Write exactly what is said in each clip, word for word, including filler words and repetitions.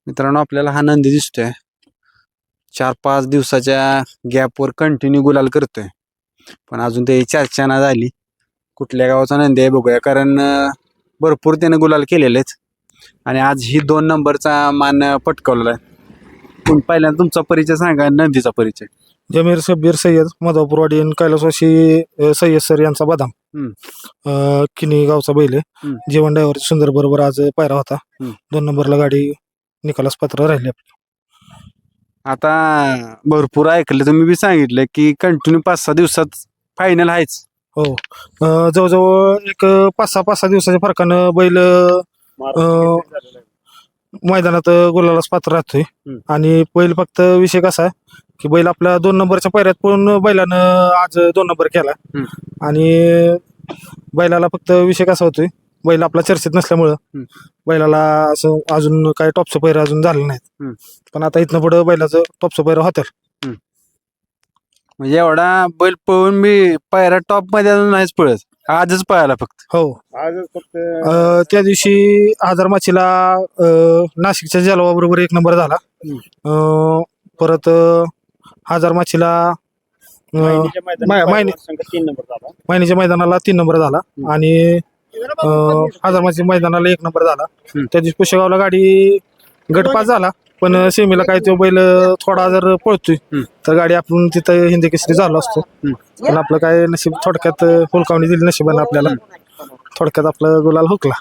मित्रांनो आपल्याला हा नंदी दिसतोय चार पाच दिवसाच्या गॅपवर कंटिन्यू गुलाल करतोय पण अजून ते चर्चा ना झाली कुठल्या गावाचा नंदी आहे बघूया कारण अं, भरपूर त्याने गुलाल केलेले आहेत आणि आज ही दोन नंबरचा मान पटकावलेला आहे. पण पहिल्यांदा तुमचा परिचय सांगा नंदीचा परिचय. जमीर शब्बीर सय्यद मधापूरवाडी आणि कैलासवासी अ, सय्यद सर यांचा बदाम हम्म. अ, किनी गावचा बैल आहे. हम्म. जीवन ड्रायव्हर सुंदर बरोबर आज पायरा होता. हम्म. दोन नंबरला गाडी निकालास पात्र राहिली आपली. आता भरपूर ऐकलं तुम्ही बी सांगितलं की कंटिन्यू पाच सहा दिवसात फायनल आहेच. हो अ, जवळजवळ एक पाच सहा पाच सहा दिवसाच्या फरकानं बैल अ, मैदानात गुलालास पात्र राहतोय. हम्म. आणि बैल फक्त विषय कसा आहे की बैल आपल्या दोन नंबरच्या पायऱ्यात पळून बैलानं आज दोन नंबर केला. हम्म. आणि बैलाला फक्त विषय कसा होतोय बैल आपला चर्चेत नसल्यामुळं हम्म. बैलाला असं अजून काय टॉपचं पैर अजून झालं नाहीत. हम्म. पण आता इथनं पुढं बैलाचं टॉपचं पैर होत्याल. म्हणजे एवढा बैल पळून मी पायरा टॉप मध्ये अजून नाहीच पळत आजच पळाला फक्त. हो अ, त्या दिवशी आजार माचीला अ, नाशिकच्या जलवा बरोबर एक नंबर झाला. अ, परत अ, हजार माचीला अ, मै- मैनी- मैनीच्या मैदानाला तीन नंबर झाला आणि अ, हजार माची मैदानाला एक नंबर झाला. हम्म. त्या दिवशी पुशेगावला गाडी गटपास झाला पण सेमीला काय तो बैल थोडा जर पळतोय हम्म. तर गाडी आपण तिथं हिंदी केसरी झालो असतो. पण आपलं काय नशीब थोडक्यात हुलकावणी दिली नशिबानं आपल्याला. थोडक्यात आपला गुलाल हुकला.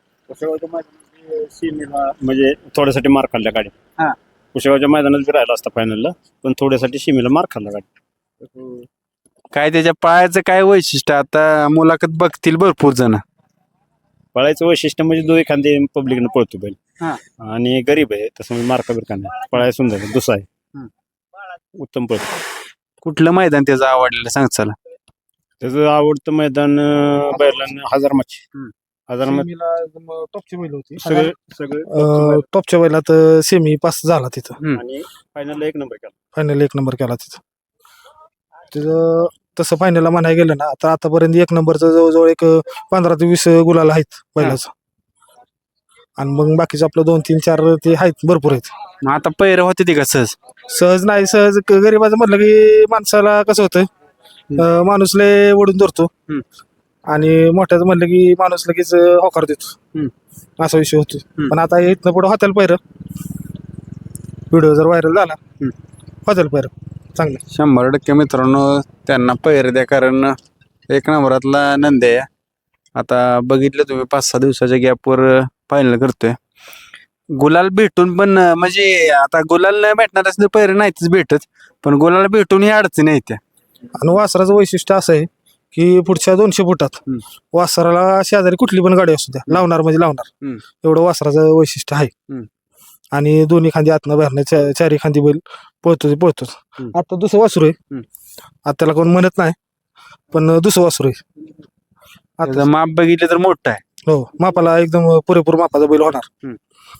सीमेला म्हणजे थोड्यासाठी मार खाल्ल्या गाडी. हा. कुशेगावच्या मैदानात बी राहिला असता फायनलला पण थोड्यासाठी सीमेला मार खाल्ला गाडी. काय त्याच्या पायाचं काय वैशिष्ट्य आता मुलाखत बघतील भरपूर जण. पळायचं वैशिष्ट्य म्हणजे दोन एखादी पब्लिकनं पळतो बैल हा. आणि गरीब आहे तसं म्हणजे मार्का बिरका नाही पळायला सुंदर आहे, दुसरा आहे. हम्म. उत्तम पळतो. कुठलं मैदान त्याचं आवडलेलं सांग चला. त्याचं आवडतं मैदान अं, बैलांना हजार माची. हम्म. हजार माची सेमीला एकदम टॉपची बैल होती. सगळे सगळे अ, टॉपच्या बैलात सेमी पास झाला तिथं. हम्म. आणि फायनलला एक नंबर केला. फायनल एक नंबर केला तिथं. तिथं तसं फायनलला म्हणायला गेलं ना तर आतापर्यंत एक नंबरचं जवळजवळ एक पंधरा ते वीस गुलाल आहेत बैलाचं. आणि मग बाकीचं आपलं दोन तीन चार ते आहेत भरपूर आहेत. मग आता पैर होते ती का सहज. सहज नाही सहज ग- गरीबाचं म्हटलं की माणसाला कसं होतं अं, माणूस लय ओढून धरतो. हम्म. आणि मोठ्याचं म्हणलं की माणूस लगेच अं, होकार देतो. हम्म. असा विषय होतो. हम्म. पण आता इथनं पुढं होत्याल पैर व्हिडिओ जर व्हायरल झाला हम्म. होत्याल पैर चांगलं. शंभर टक्के मित्रांनो त्यांना पैर द्या कारण एक नंबरातला नंदी आहे. आता बघितलं तुम्ही पाच सहा दिवसाच्या गॅपवर फायनल करतोय. गुलाल भेटून पण अं, म्हणजे आता गुलाल नाही भेटणार असले पैर नाहीतच भेटत पण गुलाल भेटून ही अडचणी आहेत त्या. आणि वासराचं वैशिष्ट्य असं आहे की पुढच्या दोनशे फुटात हम्म. वासराला शेजारी कुठली पण गाडी असू द्या लावणार म्हणजे लावणार हम्म. एवढं वासराचं वैशिष्ट्य आहे. हम्म. आणि दोन्ही खांदी आतनं बाहेरनं चा- चारी खांदी बैल पळतो पळतोच. हम्म. आता दुसरं वासरू आहे. हम्म. आता त्याला कोण म्हणत नाही पण दुसरं वासरू आहे. आता त्याचं माप बघितलं तर मोठं आहे. हो मापाला एकदम पुरेपूर मापाचा बैल होणार.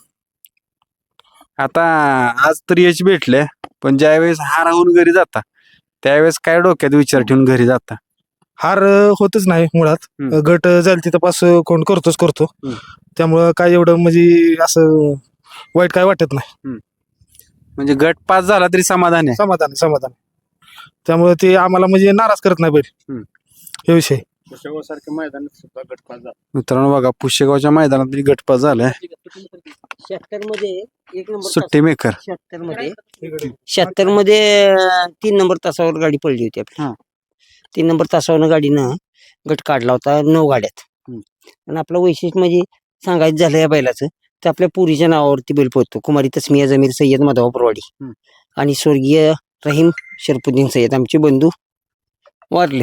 आता आज तर यश भेटले पण ज्यावेळेस हार होऊन घरी जाता त्यावेळेस काय डोक्यात विचार ठेवून घरी जाता. हार अं, होतच नाही मुळात. हम्म. गट जाईल तिथं पास कोण करतोच करतो. हम्म. त्यामुळं काय एवढं म्हणजे असं वाईट काय वाटत नाही. म्हणजे गट पास झाला तरी समाधान आहे. समाधान आहे, समाधान आहे. त्यामुळे ते आम्हाला म्हणजे नाराज करत नाही बैल. हम्म. हे विषय. कुशेगाव सारख्या मैदानात सुद्धा गटपास झाला. मित्रांनो बघा पुशेगावच्या मैदानात बी गट पास झालाय. शहात्तर मध्ये एक नंबर सुट्टी मेकर. शहात्तर मध्ये शहात्तर मध्ये अं, तीन नंबर तासावर गाडी पडली होती आपली. हा. तीन नंबर तासावर गाडीनं गट काढला होता नऊ गाड्यात. हम्म. आणि आपलं वैशिष्ट्य म्हणजे सांगायचं झालं या बैलाचं तर आपल्या पुरीच्या नावावरती बैल पोहतो. कुमारी तस्मिया जमीर सय्यद मधापूरवाडी हम्म. आणि स्वर्गीय रहीम शरफुद्दीन सय्यद आमचे बंधू वारले.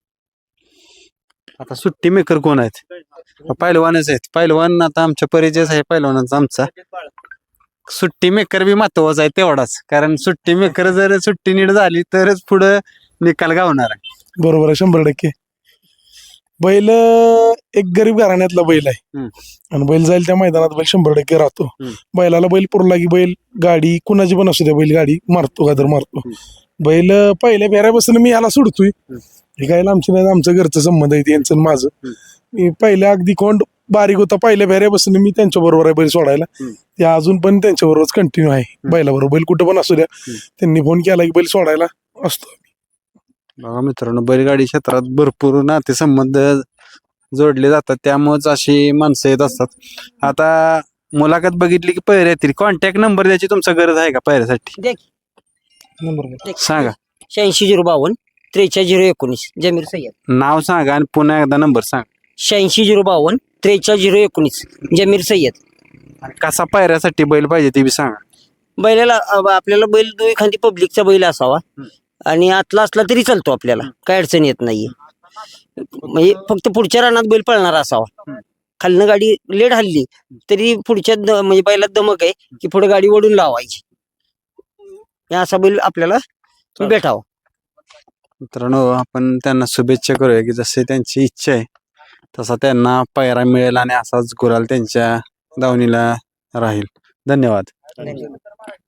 आता सुट्टी मेकर कोण आहेत. पहिलवानच आहेत. पहिलवान आता आमच्या परिचयच आहे पहिलवानाचा आमचा. सुट्टी मेकर बी महत्वाचा आहे तेवढाच कारण सुट्टी मेकर जर सुट्टी नीट झाली तरच पुढं निकाल गावणार आहे. बरोबर आहे शंभर टक्के. बैल अं, एक गरीब घराण्यातला बैल आहे. हम्म. आणि बैल जाईल त्या मैदानात बैल शंभर टक्के राहतो. हम्म. बैलाला बैल पुरला की बैल गाडी कुणाची पण असू द्या बैल गाडी मारतो का तर मारतो. हम्म. बैल अं, पहिल्या फेऱ्यापासून मी याला सोडतोय. हे काय आमची नाही आमचं घरचं संबंध आहे यांचं आणि माझं. मी पहिल्या अगदी कोंड बारीक होता पहिल्या फेऱ्यापासून मी त्यांच्या बरोबर आहे बैल सोडायला. हम्म. ते अजून पण त्यांच्या बरोबरच कंटिन्यू आहे बैलाबरोबर. बैल कुठं पण असू द्या हम्म. त्यांनी फोन केला की बैल सोडायला असतो. बघा मित्रांनो, बैलगाडी क्षेत्रात भरपूर नातेसंबंध जोडले जातात, त्यामुळेच अशी माणसं येत असतात. आता मुलाखत बघितली की पैरे येतील, कॉन्टॅक्ट नंबर द्यायची तुमचा गरज आहे का पैऱ्यासाठी? नंबर सांगा. शहाऐंशी झिरो बावन्न त्रेचाळीस झिरो एकोणीस जमीर सय्यद. नाव सांगा आणि पुन्हा एकदा नंबर सांगा. शहाऐंशी झिरो बावन्न त्रेचाळीस झिरो एकोणीस जमीर सय्यद. आणि कसा पैऱ्यासाठी बैल पाहिजे ते बी सांगा. बैलाला अ, आपल्याला बैल दो एखादी पब्लिकचा बैल असावा आणि आतला असला तरी चालतो, आपल्याला काय अडचण येत नाहीये. म्हणजे फक्त पुढच्या रानात बैल पळणारा असावा. खालनं गाडी लेट हल्ली तरी पुढच्या द- म्हणजे बैलात दमक आहे की पुढे गाडी ओढून लावायची. हे असा बैल आपल्याला भेटावा. मित्रांनो, आपण त्यांना शुभेच्छा करूया की जसे त्यांची इच्छा आहे तसा त्यांना पायरा मिळेल आणि असाच गुलाल त्यांच्या दावणीला राहील. धन्यवाद. धन्यवाद.